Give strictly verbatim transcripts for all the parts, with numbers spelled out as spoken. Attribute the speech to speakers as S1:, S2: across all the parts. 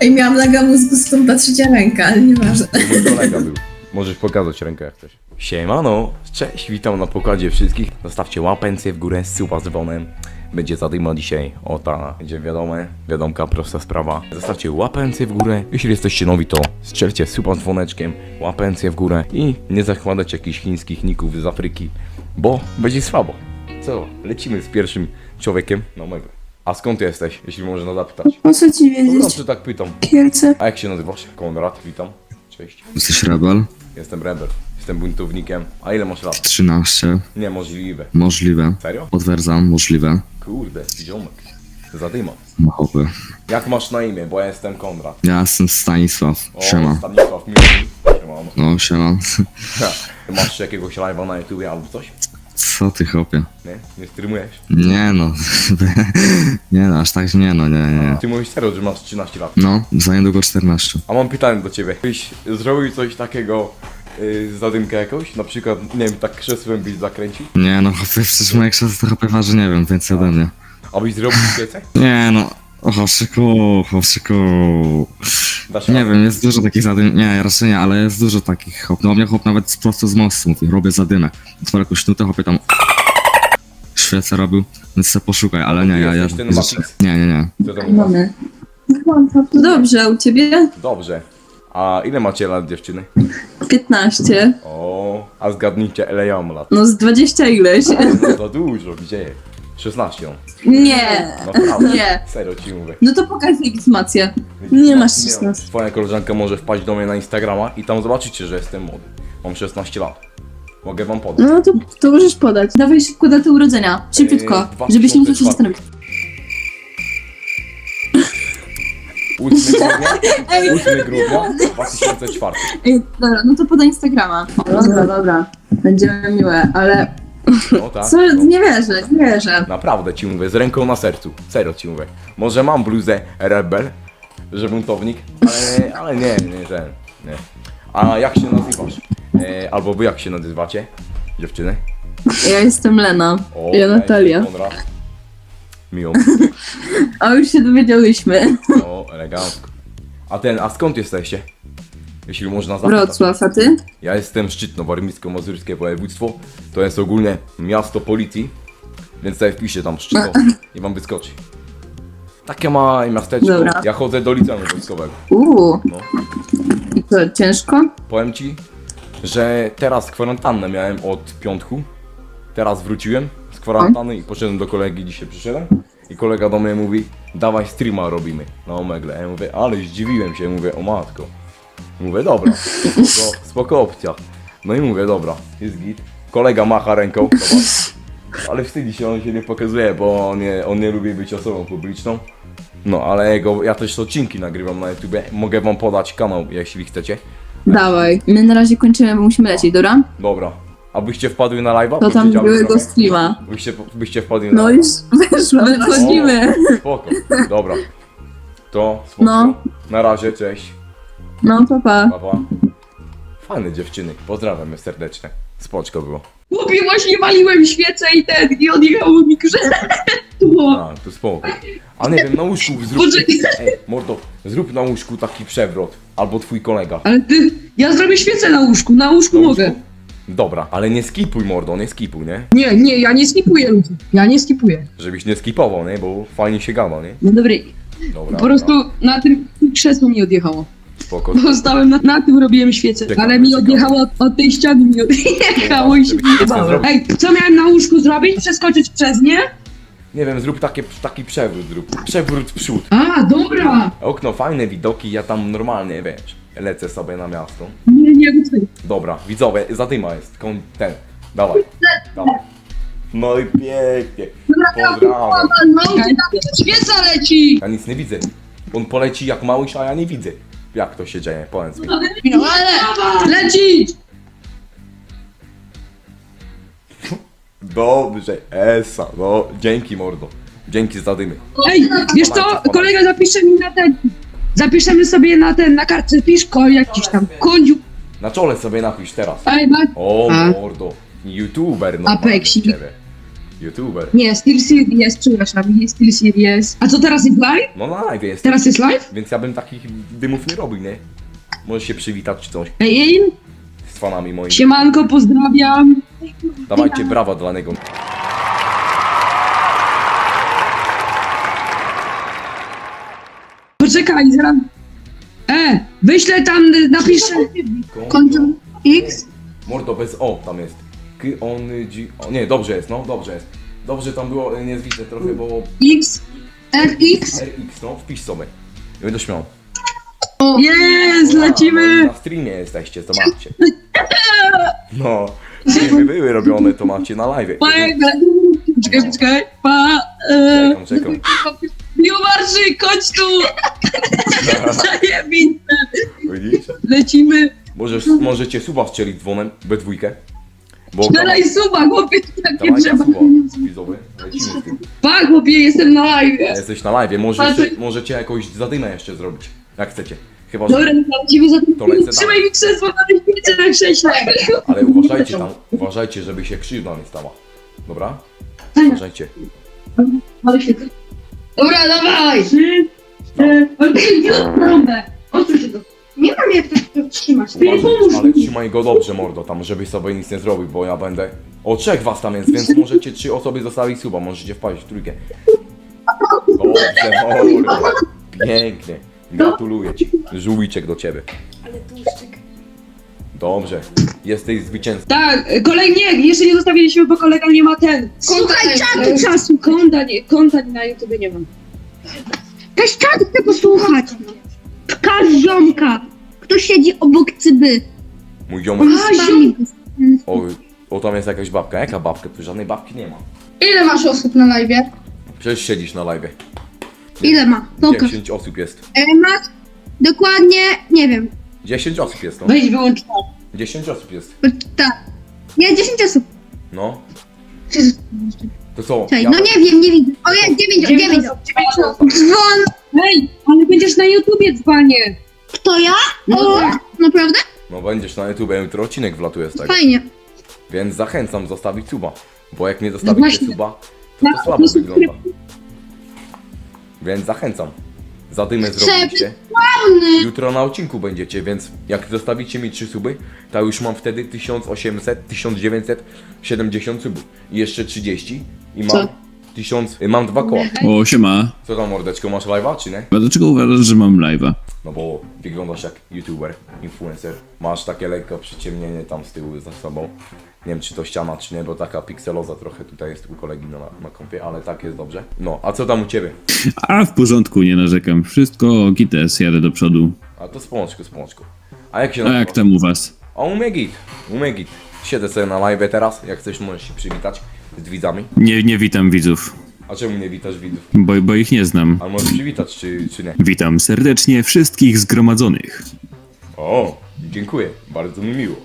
S1: Ej, miałam laga mózgu, stąd ta trzecia ręka, ale nieważne.
S2: To mój kolega był. Możesz pokazać rękę jak chcesz. Siemano, cześć, witam na pokładzie wszystkich. Zostawcie łapencję w górę, suba z dzwonem. Będzie zadyma dzisiaj, o ta, będzie wiadome, wiadomka, prosta sprawa. Zostawcie łapencję w górę, jeśli jesteście nowi to strzelcie suba z dzwoneczkiem, łapencję w górę i nie zakładać jakichś chińskich ników z Afryki, bo będzie słabo. Co, lecimy z pierwszym człowiekiem na mego. A skąd jesteś, jeśli można zapytać?
S1: Po co ci
S2: No
S1: wiedzieć?
S2: dobrze, tak pytam.
S1: Kielce.
S2: A jak się nazywasz? Konrad, witam. Cześć.
S3: Jesteś rebel?
S2: Jestem rebel. Jestem buntownikiem. A ile masz lat?
S3: trzynaście.
S2: Niemożliwe.
S3: Możliwe.
S2: Serio?
S3: Potwierdzam, możliwe.
S2: Kurde, ziomek. Zadyma.
S3: Machowy.
S2: Jak masz na imię? Bo ja jestem Konrad.
S3: Ja jestem Stanisław.
S2: O,
S3: Siema.
S2: Stanisław Miłki. Siemano.
S3: No, siema.
S2: Ha, ty masz jakiegoś live'a na YouTubie albo coś?
S3: Co ty, chłopie?
S2: Nie? Nie streamujesz?
S3: Nie no. Nie no, aż tak nie no, nie, nie.
S2: Ty mówisz serio, że masz trzynaście lat.
S3: No, za niedługo czternaście.
S2: A mam pytanie do ciebie. Byś zrobił coś takiego, yy, zadymkę jakąś? Na przykład, nie wiem, tak krzesłem byś zakręcił?
S3: Nie no, chłopie, przecież moje krzesło trochę waży, nie wiem, więcej ode mnie.
S2: A byś zrobił świecę?
S3: Nie no. O, chłopczyku, chłopczyku.
S2: Dasz
S3: Nie
S2: radę?
S3: wiem, jest dużo takich zadym. Nie, raczej nie, ale jest dużo takich chłop. No, u mnie chłop nawet prosto z mostu mówi, robię zadymę. Otworzę jakąś nutę, chłopie tam. Świecę robił, więc se poszukaj, ale nie, ja, ja.
S2: Jesteś ten Matrix?
S3: Nie, nie, nie.
S2: Co tam u was?
S1: Mamy. Dobrze, a u ciebie?
S2: Dobrze. A ile macie lat, dziewczyny?
S1: piętnaście.
S2: O, a zgadnijcie, ile ja mam lat.
S1: No z dwadzieścia ileś.
S2: No za dużo, gdzie? szesnaście no.
S1: Nie.
S2: Naprawdę.
S1: Nie.
S2: Serio ci mówię.
S1: No to pokaż legitymację. Nie masz szesnastu.
S2: Twoja koleżanka może wpaść do mnie na Instagrama i tam zobaczycie, że jestem młody. Mam szesnaście lat. Mogę wam podać.
S1: No to, to możesz podać. Dawaj szybko datę urodzenia. Szybciutko,
S2: Yy,
S1: żebyś nie musiał się
S2: dwa tysiące
S1: zastanowić.
S2: ósmego grudnia, ósmego grudnia dwa tysiące czwarty.
S1: Ej, dobra, no to podaj Instagrama. Dobra, dobra. Będziemy miłe, ale
S2: No tak.
S1: co?
S2: No.
S1: Nie wierzę, nie wierzę.
S2: Naprawdę ci mówię, z ręką na sercu. Serio ci mówię. Może mam bluzę rebel, że buntownik, ale, ale nie, nie, że nie. A jak się nazywasz? E, albo wy jak się nazywacie? Dziewczyny?
S1: Ja jestem Lena.
S2: O,
S1: Ja Natalia.
S2: jestem Konrad. Miło.
S1: A już się dowiedziałyśmy.
S2: O, elegancko. A ten, a skąd jesteście? Jeśli można zapytać.
S1: Wrocław, a ty?
S2: Ja jestem Szczytno, warmińsko-mazurskie województwo. To jest ogólnie miasto policji. Więc sobie wpiszę tam Szczytno i wam wyskoczy. Takie małe miasteczko.
S1: Dobra.
S2: Ja chodzę do liceum wojskowego.
S1: Uuu.
S2: No.
S1: I to ciężko?
S2: Powiem ci, że teraz kwarantannę miałem od piątku. Teraz wróciłem z kwarantanny i poszedłem do kolegi, dzisiaj przyszedłem. I kolega do mnie mówi, dawaj streama robimy na Omegle. Ja mówię, ale zdziwiłem się, mówię, o matko. Mówię, dobra, spoko, spoko opcja. No i mówię, dobra, jest git. Kolega macha ręką, zobacz. Ale wstydzi się, on się nie pokazuje, bo on nie, on nie lubi być osobą publiczną. No, ale jego, ja też odcinki nagrywam na YouTubie. Mogę wam podać kanał, jeśli chcecie.
S1: Dawaj. My na razie kończymy, bo musimy lecieć, dobra?
S2: Dobra. A byście wpadły na live'a?
S1: To tam
S2: Powiedziałem
S1: byłego
S2: trochę.
S1: streama.
S2: Byście, byście wpadli na
S1: No już weszło, wchodzimy.
S2: O, spoko, dobra. To spoko.
S1: No.
S2: Na razie, cześć.
S1: No, pa, pa.
S2: Pa, pa. Fajne dziewczyny, pozdrawiam je serdecznie. Spoczko było.
S4: Chłopie, właśnie waliłem świecę i ten, i odjechało mi krzesło.
S2: A, to spoko. A nie wiem, na łóżku zrób...
S4: Boże.
S2: Ej, mordo, zrób na łóżku taki przewrot. Albo twój kolega.
S4: Ale ty, ja zrobię świecę na łóżku, na łóżku
S2: Na
S4: mogę.
S2: łóżku? Dobra, ale nie skipuj, mordo, nie skipuj, nie?
S4: Nie, nie, ja nie skipuję ludzi. Ja nie skipuję.
S2: Żebyś nie skipował, nie? Bo fajnie się gada, nie?
S4: No dobra,
S2: Dobra,
S4: po prostu na tym krzesło mi odjechało.
S2: spoko.
S4: Bo stałem na, na tym, robiłem świecę.
S2: Ciekawe,
S4: Ale mi
S2: ciekawe.
S4: odjechało od, od tej ściany, mi odjechało i się
S2: Żeby nic nie
S4: nie
S2: zrobić.
S4: Ej, co miałem na łóżku zrobić? Przeskoczyć przez nie?
S2: Nie wiem, zrób takie, taki przewrót, zrób. Przewrót w przód.
S4: A, dobra.
S2: Okno, fajne widoki, ja tam normalnie, wiesz, lecę sobie na miasto.
S4: Nie, nie, nie.
S2: Dobra, widzowie, zadyma jest, kon, ten, dawaj, dawaj. No i pięknie, pozdrawiam.
S4: No, świeca leci.
S2: Ja nic nie widzę, on poleci jak małyś, a ja nie widzę. Jak to się dzieje, powiedz mi.
S4: No, ale leci.
S2: Dobrze, esa, no, dzięki mordo, dzięki za dymy.
S4: Ej, wiesz co, kolega zapisze mi na ten. Zapiszemy sobie na ten, na kartce piszko jakiś tam kądziu.
S2: Na czole sobie napisz teraz.
S4: Ej, ma...
S2: O
S4: A.
S2: mordo, youtuber, no
S4: Apeksik.
S2: ciebie. YouTuber.
S4: Nie, Steel Series, przepraszam, nie Steel Series. A co teraz jest live?
S2: No na live jest.
S4: Teraz jest live?
S2: Więc ja bym takich dymów nie robił, nie? Możesz się przywitać czy coś
S4: Ej, ej,
S2: z fanami moimi.
S4: siemanko, pozdrawiam.
S2: Dawajcie brawa dla niego.
S4: Poczekaj, zaraz. E, wyślę tam, napiszę.
S1: Konto X?
S2: Mordo bez O tam jest. K on G. O, nie, dobrze jest, no, dobrze jest. Dobrze tam było, nie widzę trochę, bo
S4: X.
S1: R X?
S2: R X, no, wpisz sobie. Nie będę śmiał.
S4: Jest,
S2: No,
S4: lecimy.
S2: na streamie jesteście, zobaczcie. No, streamy były robione, to macie na live.
S4: Czekaj, poczekaj, pa. E,
S2: Czekam, czekam.
S4: Biomarszy, chodź tu. Zajebiste.
S2: Widzisz?
S4: Lecimy.
S2: Możesz, możecie suba strzelić dzwonem, we dwójkę. Bo
S4: Dalej suba, chłopie, takie
S2: dawaj
S4: trzeba.
S2: suba, widzowie, lecimy z tym.
S4: Pa, chłopie, jestem na live.
S2: Jesteś na live, możecie, możecie jakąś zadymę jeszcze zrobić, jak chcecie. Chyba, że...
S4: Dobra, lecimy za tym.
S2: To lecę tam.
S4: Trzymaj mi krzesło na ryśnicy na krześle.
S2: Ale uważajcie tam, uważajcie, żeby się krzywda nie stała. Dobra? Uważajcie.
S4: Dobra, dawaj. Trzy, cztery, trąbę. Odsuń się to.
S1: Nie mam jak to trzymać.
S2: Uważaj, ale trzymaj go dobrze, mordo, tam, żeby sobie nic nie zrobił, bo ja będę... O, trzech was tam jest, więc możecie trzy osoby zostawić suba, możecie wpaść w trójkę. Dobrze, mordo. Pięknie. Gratuluję ci. Żółwiczek do ciebie.
S1: Ale tłuszczyk.
S2: Dobrze. Jesteś zwycięzcą.
S4: Tak, kolej nie, jeszcze nie zostawiliśmy, bo kolega nie ma ten.
S1: Słuchaj, czatu
S4: E,
S1: czasu.
S4: Konta nie, konta na YouTube nie mam.
S1: Też czatu chcę posłuchać. Pokaż ziomka. Kto siedzi obok cyby.
S2: Mój ziomek...
S1: Z wami.
S2: O, o, tam jest jakaś babka. Jaka babka? Tu żadnej babki nie ma.
S1: Ile masz osób na live?
S2: Przecież siedzisz na live.
S1: Ile ma? Pokaż.
S2: dziesięć osób jest.
S1: E, masz dokładnie, nie wiem.
S2: dziesięć osób jest, no.
S4: Weź wyłącz to.
S2: dziesięć osób jest.
S1: Tak. Nie, dziesięć osób.
S2: No.
S1: Jezus.
S2: To co?
S1: Czekaj,
S2: Ja...
S1: no nie wiem, nie widzę. O jest, dziewięć, dziewięć. Dzwon.
S4: Hej, ale będziesz na YouTubie, dzwanie.
S1: Kto ja?
S4: No
S1: O,
S4: tak.
S1: naprawdę?
S2: No będziesz na YouTube, jutro odcinek wlatuje z tego.
S1: Fajnie.
S2: Więc zachęcam zostawić suba. Bo jak nie
S4: No
S2: zostawicie
S4: właśnie.
S2: suba, to
S4: No,
S2: to słabo
S4: to jest
S2: wygląda. Więc zachęcam. Zadymę zrobiliście.
S1: Pełny.
S2: Jutro na odcinku będziecie, więc jak zostawicie mi trzy suby, to już mam wtedy tysiąc osiemset, tysiąc dziewięćset siedemdziesiąt subów. I jeszcze trzydzieści i mam
S4: Co?
S2: tysiąc, y, mam dwa koła.
S3: O, siema.
S2: Co tam, mordeczko, masz live'a czy nie?
S3: A dlaczego uważasz, że mam live'a?
S2: No bo wyglądasz jak youtuber, influencer. Masz takie lekko przyciemnienie tam z tyłu za sobą. Nie wiem czy to ściana czy nie, bo taka pikseloza trochę tutaj jest u kolegi na, na kompie, ale tak jest dobrze. No, a co tam u ciebie?
S3: A w porządku, nie narzekam. Wszystko gites, jadę do przodu.
S2: A to spączku, spączku. A jak się
S3: A
S2: nazywa?
S3: jak tam u was?
S2: A u mnie git, u mnie git. Siedzę sobie na live teraz, jak chcesz możesz się przywitać z widzami.
S3: Nie, nie witam widzów,
S2: A czemu nie witasz widzów?
S3: bo, bo ich nie znam.
S2: A możesz przywitać czy, czy nie?
S3: Witam serdecznie wszystkich zgromadzonych.
S2: O, dziękuję, bardzo mi miło.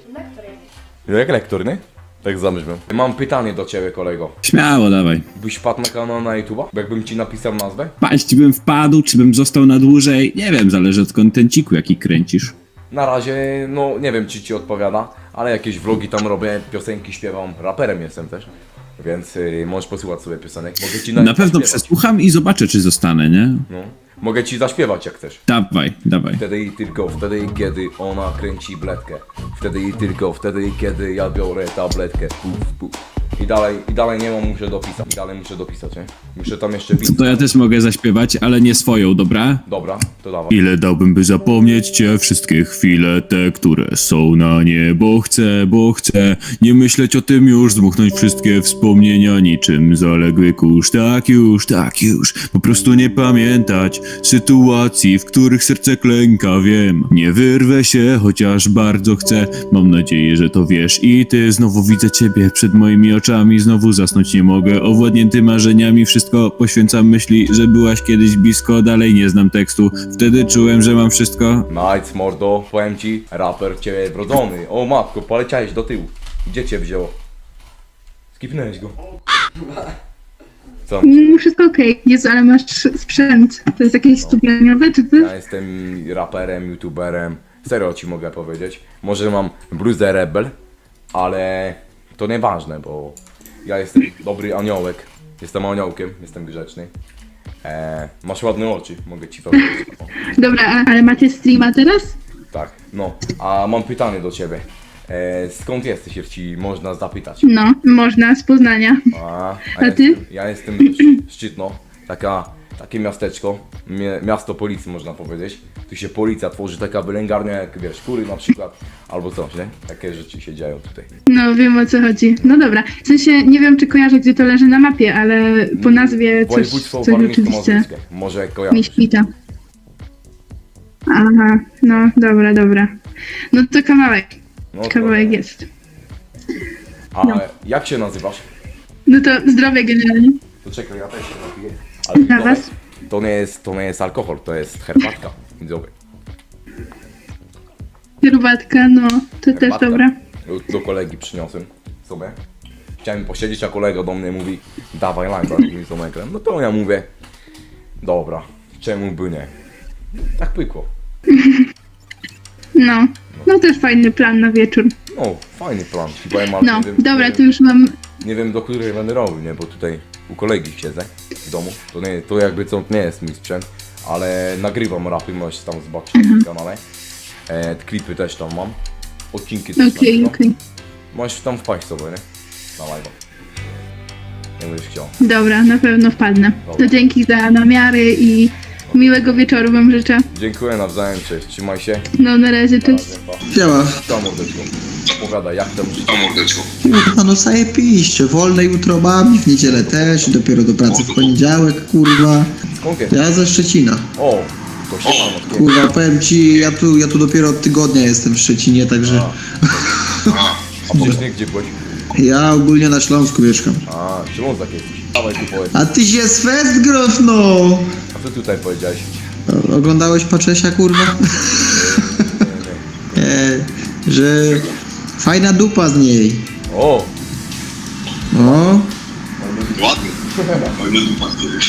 S2: No jak lektor, nie? Tak zamierzam. Mam pytanie do ciebie, kolego.
S3: Śmiało, dawaj.
S2: Byś wpadł na kanał na YouTube'a? Jakbym ci napisał nazwę?
S3: Paść bym wpadł, czy bym został na dłużej? Nie wiem, zależy od kontenciku, jaki kręcisz.
S2: Na razie, no nie wiem czy ci odpowiada, ale jakieś vlogi tam robię, piosenki śpiewam, raperem jestem też. Więc y, możesz posłuchać sobie piosenek. Mogę ci
S3: Na
S2: nawet
S3: pewno
S2: zaśpiewać.
S3: przesłucham i zobaczę, czy zostanę, nie?
S2: No. Mogę ci zaśpiewać jak chcesz.
S3: Dawaj, dawaj.
S2: Wtedy i tylko wtedy, kiedy ona kręci bledkę. Wtedy i tylko wtedy, kiedy ja biorę tabletkę. Puf, puf. I dalej, i dalej nie mam, muszę dopisać. I dalej muszę dopisać, nie? Muszę tam jeszcze pisać.
S3: To ja też mogę zaśpiewać, ale nie swoją, dobra?
S2: Dobra, to dawaj.
S3: Ile dałbym, by zapomnieć cię, wszystkie chwile te, które są na nie, bo chcę, bo chcę nie myśleć o tym już, zdmuchnąć wszystkie wspomnienia niczym zaległy kurz. Tak już, tak już, po prostu nie pamiętać sytuacji, w których serce klęka, wiem. Nie wyrwę się, chociaż bardzo chcę, mam nadzieję, że to wiesz i ty. Znowu widzę ciebie przed moimi oczami, znowu zasnąć nie mogę, owładnięty marzeniami, wszystko poświęcam myśli, że byłaś kiedyś blisko, dalej nie znam tekstu, wtedy czułem, że mam wszystko.
S2: Nice, mordo, powiem ci, raper ciebie wrodzony. O matko, poleciałeś do tyłu. Gdzie cię wzięło? Skipnąłeś go. Co?
S1: Mm, wszystko okej. Jezu, ale masz sprzęt. To jest jakieś studiowe, czy ty?
S2: Ja jestem raperem, youtuberem. Serio ci mogę powiedzieć. Może mam bluzę Rebel, ale to nieważne, bo Ja jestem dobry aniołek. Jestem aniołkiem, jestem grzeczny. Eee, masz ładne oczy, mogę ci powiedzieć. O,
S4: Dobra, a- ale macie streama teraz?
S2: tak, no. A mam pytanie do ciebie. Eee, skąd jesteś, jeśli można zapytać?
S4: No, można, z Poznania.
S2: A,
S4: A
S2: ja
S4: ty?
S2: Jestem, ja jestem Sz- Szczytno, taka, takie miasteczko, mie, miasto policji można powiedzieć. Tu się policja tworzy, taka wylęgarnia jak wiesz, kury na przykład, albo coś, nie? Takie rzeczy się dzieją tutaj.
S4: No, wiem o co chodzi. No dobra, w sensie nie wiem, czy kojarzę, gdzie to leży na mapie, ale po nazwie coś,
S2: Województwo
S4: coś rzeczywiście
S2: warmińsko-mazurskie, może
S4: mi
S2: kojarzysz.
S4: świta. Aha, no dobra, dobra. No to kawałek,
S2: No to-
S4: kawałek jest.
S2: A jak się nazywasz?
S4: No to zdrowie generalnie.
S2: To czekaj, ja też się napiję. Ale
S4: Dla
S2: to,
S4: was?
S2: to, nie jest, to nie jest alkohol, to jest herbatka. Widzowie.
S4: Herbatka, no, to też
S2: Herbatka.
S4: dobra.
S2: Do, do kolegi przyniosłem sobie. Chciałem posiedzieć, a kolega do mnie mówi dawaj lime, i z omegrem. No to ja mówię dobra, czemu by nie? Tak pykło.
S4: No, no też fajny plan na wieczór.
S2: No, fajny plan. Chyba ja mam,
S4: No,
S2: nie wiem,
S4: dobra,
S2: nie,
S4: to już mam...
S2: nie wiem do której będę robił, nie? Bo tutaj u kolegi siedzę w domu. To, nie, to jakby co nie jest mój sprzęt, ale nagrywam rapy, możesz tam zobaczyć na tym kanale. E, klipy też tam mam. Odcinki też
S4: Okej,
S2: nagrywam.
S4: okej.
S2: Możesz tam wpaść sobie, nie? Na live'a. Nie będziesz chciał.
S4: Dobra, na pewno wpadnę.
S2: Dobra.
S4: To dzięki za namiary i miłego wieczoru wam życzę.
S2: Dziękuję nawzajem, cześć, trzymaj się.
S4: No na razie, cześć.
S5: Działa.
S2: Co mordeczko? Opowiadaj, jak tam życie?
S5: Kurwa, no zajebiście. Wolne jutro mam, w niedzielę też, dopiero do pracy w poniedziałek, kurwa.
S2: Skąd jest?
S5: Ja ze Szczecina.
S2: O, to się mam od
S5: Kurwa, powiem ci, ja tu, ja tu dopiero od tygodnia jestem w Szczecinie, także
S2: A wcześniej gdzie byłeś?
S5: ja ogólnie na Śląsku mieszkam.
S2: A, Ślązak jesteś. Dawaj tu powiedz.
S5: A ty się z fest grof, no!
S2: A co tutaj powiedziałeś?
S5: Oglądałeś Paczesia, kurwa?
S2: Nie, nie.
S5: E, że fajna dupa z niej.
S2: O,
S5: O,
S6: Ładny. Fajny dupa.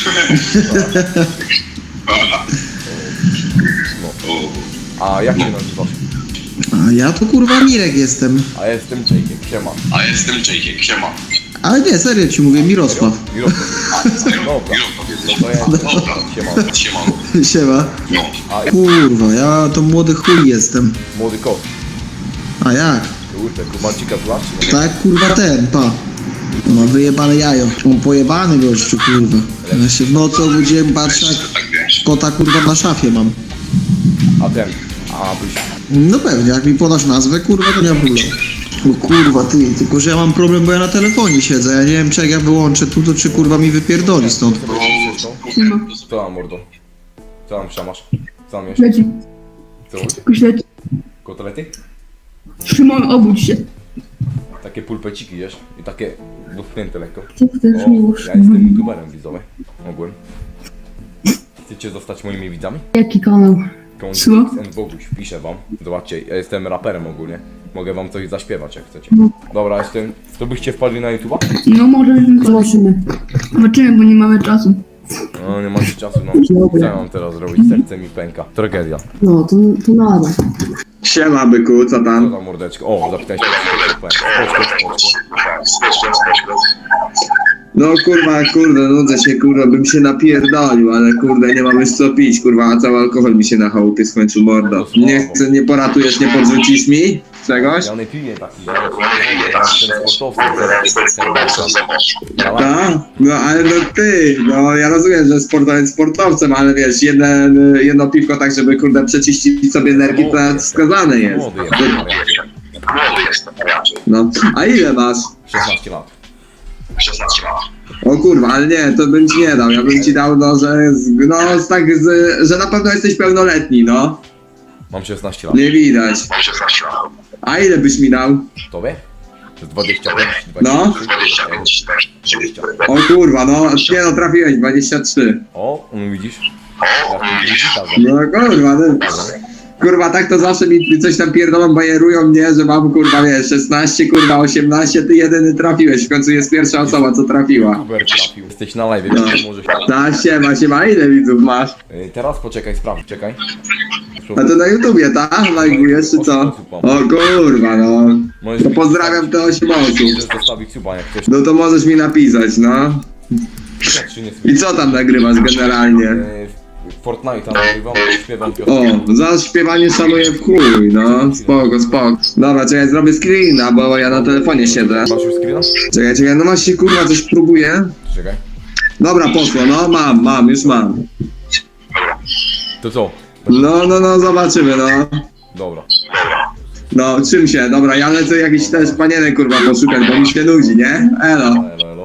S2: a jak się nazywasz?
S5: a ja to kurwa Mirek jestem.
S2: A ja jestem Jake'iem, siema.
S6: A jestem Jake'iem, siema.
S5: Ale nie, serio ci mówię, Mirosław.
S2: Mirosław. Dobra, no to ja
S6: Dobra.
S2: siema.
S6: Siema.
S5: Siema.
S6: No.
S2: A
S5: Kurwa, ja to młody chuj jestem.
S2: młody kot.
S5: A jak?
S2: Kurde, kubancika znasz? czy nie?
S5: Tak, kurwa ten, pa. Ma wyjebane jajo. On pojebany gościu, kurwa. Ja się w nocy obudziłem, patrzę jak
S6: Tak wiesz.
S5: kota kurwa na szafie mam.
S2: A ten, a byś...
S5: No pewnie, jak mi podasz nazwę, kurwa, to nie ma problemu. O kurwa, ty, tylko że ja mam problem, bo ja na telefonie siedzę. Ja nie wiem, czy jak ja wyłączę tu, to czy kurwa mi wypierdoli stąd.
S2: Co tam, mordo? Co tam przemasz? Co tam jeszcze?
S4: Leci,
S2: Co?
S4: leci.
S2: Kotlety?
S4: Szymon, obudź się.
S2: Takie pulpeciki jesz i takie dotknięte lekko.
S4: Co ty też
S2: O, ja jestem youtuberem widzowy, ogółem. Chcecie zostać moimi widzami?
S4: Jaki kanał? Co?
S2: Konflikt Boguś, piszę wam. Zobaczcie, ja jestem raperem ogólnie. Mogę wam coś zaśpiewać jak chcecie. Dobra, jestem... To byście wpadli na YouTube'a?
S4: No może zobaczymy. Zobaczymy, bo nie mamy czasu.
S2: No nie macie czasu, no. Co ja mam teraz zrobić? Serce mi pęka. Tragedia.
S7: No, to, to nada.
S5: Siema byku, co
S2: Co
S5: tam?
S2: za mordeczko? O, zapytałeś się. Spoczko, spoczko.
S8: No kurwa, kurde, nudzę się, kurwa, bym się napierdolił, ale kurde, nie mam już co pić, kurwa, a cały alkohol mi się na chałupie skończył, mordo. Nie chcę, nie poratujesz, nie podrzucisz mi czegoś?
S2: Ja nie piję taki, ja ja jestem sportowcem.
S8: Tak? No ale no ty, no ja rozumiem, że sportowiec sportowcem, ale wiesz, jeden, jedno piwko tak, żeby kurde przeczyścić sobie nerki, to wskazane jest.
S2: Młody jestem,
S6: Młody jestem, raczej.
S8: No, a ile masz?
S2: szesnaście lat.
S6: szesnaście lat.
S8: O kurwa, ale nie, to bym ci nie dał, ja bym ci dał, no, że, z- no, z tak, z, że na pewno jesteś pełnoletni, no.
S2: Mam szesnaście lat.
S8: Nie widać.
S6: Mam szesnaście lat.
S8: A ile byś mi dał?
S2: Tobie? To jest dwadzieścia pięć,
S8: No.
S6: dwadzieścia pięć,
S2: dwadzieścia.
S8: O kurwa, no, nie no, trafiłeś, dwadzieścia trzy.
S2: O, no widzisz? Ja tu gitarze.
S8: No kurwa, no. Kurwa, tak to zawsze mi coś tam pierdolą, bajerują mnie, że mam kurwa, wiesz, szesnaście, kurwa, osiemnaście, ty jedyny trafiłeś, w końcu jest pierwsza osoba, co trafiła.
S2: Uber trafił. Jesteś na live,
S8: No.
S2: więc możesz...
S8: Ta, siema, siema, ile widzów masz?
S2: Yy, Teraz poczekaj, sprawdź, czekaj.
S8: A to na YouTubie, tak? Lajkujesz czy co? O kurwa, no.
S2: Możesz
S8: To
S2: mi
S8: pozdrawiam te osiem osób.
S2: Możesz zostawić suba, jak chcesz.
S8: No to możesz mi napisać, no.
S2: Czy nie
S8: I co tam nagrywasz generalnie?
S2: E, Fortnite'a nagrywam, śpiewam piosenkę.
S8: O, za śpiewanie szanuję w chuj, no. Spoko, spoko. Dobra, czekaj, zrobię screena, bo ja na telefonie siedzę.
S2: Masz już screena?
S8: Czekaj, czekaj, no właśnie kurwa coś próbuję.
S2: Czekaj.
S8: Dobra, poszło, no mam, mam, już mam.
S2: To co?
S8: No, no, no, zobaczymy, no.
S2: Dobra.
S8: No, czym się? Dobra, ja lecę jakiś też panienek kurwa poszukać, bo mi się nudzi, nie? Elo.
S2: Elo, elo.